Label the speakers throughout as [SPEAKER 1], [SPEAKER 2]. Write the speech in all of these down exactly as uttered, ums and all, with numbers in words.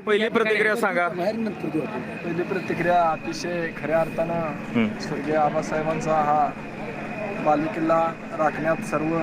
[SPEAKER 1] पहिली प्रतिक्रिया सांगा.
[SPEAKER 2] पहिली प्रतिक्रिया अतिशय खऱ्या अर्थानं स्वर्गीय आबासाहेबांचा हा बालेकिल्ला राखण्यात सर्व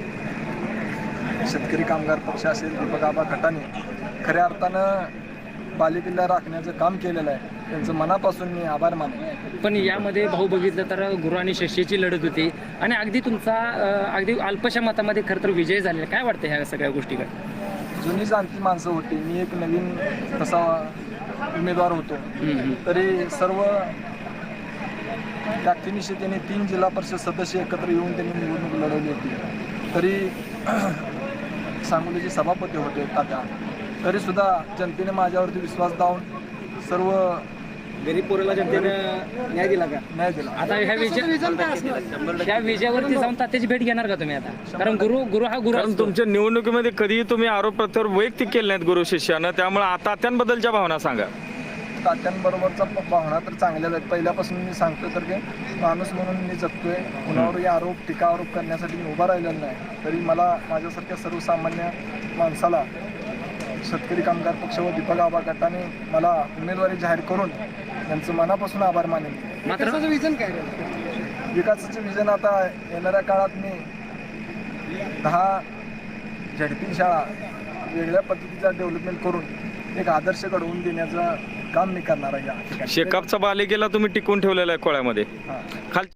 [SPEAKER 2] शेतकरी कामगार पक्ष असेल दीपक आबा गटाने खऱ्या अर्थानं बालेकिल्ला राखण्याचं काम केलेलं आहे. त्यांचं मनापासून मी आभार मानतो.
[SPEAKER 3] पण यामध्ये भाऊ बघितलं तर गुरु आणि शिष्याची लढत होती आणि अगदी तुमचा अं, अगदी अल्पशा मतामध्ये खरं तर विजय झालेला. काय वाटतं ह्या सगळ्या गोष्टीकडे?
[SPEAKER 2] जुनी जाणती माणसं होती. मी एक नवीन तसा उमेदवार होतो. तरी सर्व व्यक्तिनिशी त्यांनी तीन जिल्हा परिषद सदस्य एकत्र येऊन त्यांनी निवडणूक लढवली होती. तरी सांगोलीचे सभापती होते तात्या. तरीसुद्धा जनतेने माझ्यावरती विश्वास दावून सर्व
[SPEAKER 3] गरीब पोराला जनतेनं न्याय दिला का?
[SPEAKER 2] न्याय दिला.
[SPEAKER 3] आता ह्या विजय ह्या विजयावरती जाऊन तात्याची भेट घेणार का तुम्ही आता? कारण गुरु गुरु हा गुरु
[SPEAKER 1] कारण
[SPEAKER 3] असतो.
[SPEAKER 1] तुमच्या निवडणुकीमध्ये कधीही तुम्ही आरोप प्रत्यारोप वैयक्तिक केले नाहीत गुरु शिष्यानं, त्यामुळे आता तात्यांबद्दलच्या भावना सांगा.
[SPEAKER 2] तात्यांबरोबरचा भावना तर चांगल्याच आहेत. पहिल्यापासून मी सांगतो तर की माणूस म्हणून मी जगतोय. कुणावरही आरोप टीका आरोप करण्यासाठी मी उभा राहिलेला नाही. तरी मला माझ्यासारख्या सर्वसामान्य माणसाला शेतकरी कामगार पक्ष व दीपक आबा गटाने मला उमेदवारी जाहीर करून त्यांचं मनापासून आभार मानेन.
[SPEAKER 3] मात्र
[SPEAKER 2] विजन काय विकासाचे विजन आता येणाऱ्या काळात मी दहा झडपी शाळा वेगळ्या पद्धतीचा डेव्हलपमेंट करून एक आदर्श घडवून देण्याचं काम मी करणार आहे.
[SPEAKER 1] शेकापचा बालेकिल्ला तुम्ही टिकून ठेवलेला आहे कोळ्यामध्ये.
[SPEAKER 2] हां.
[SPEAKER 1] खाल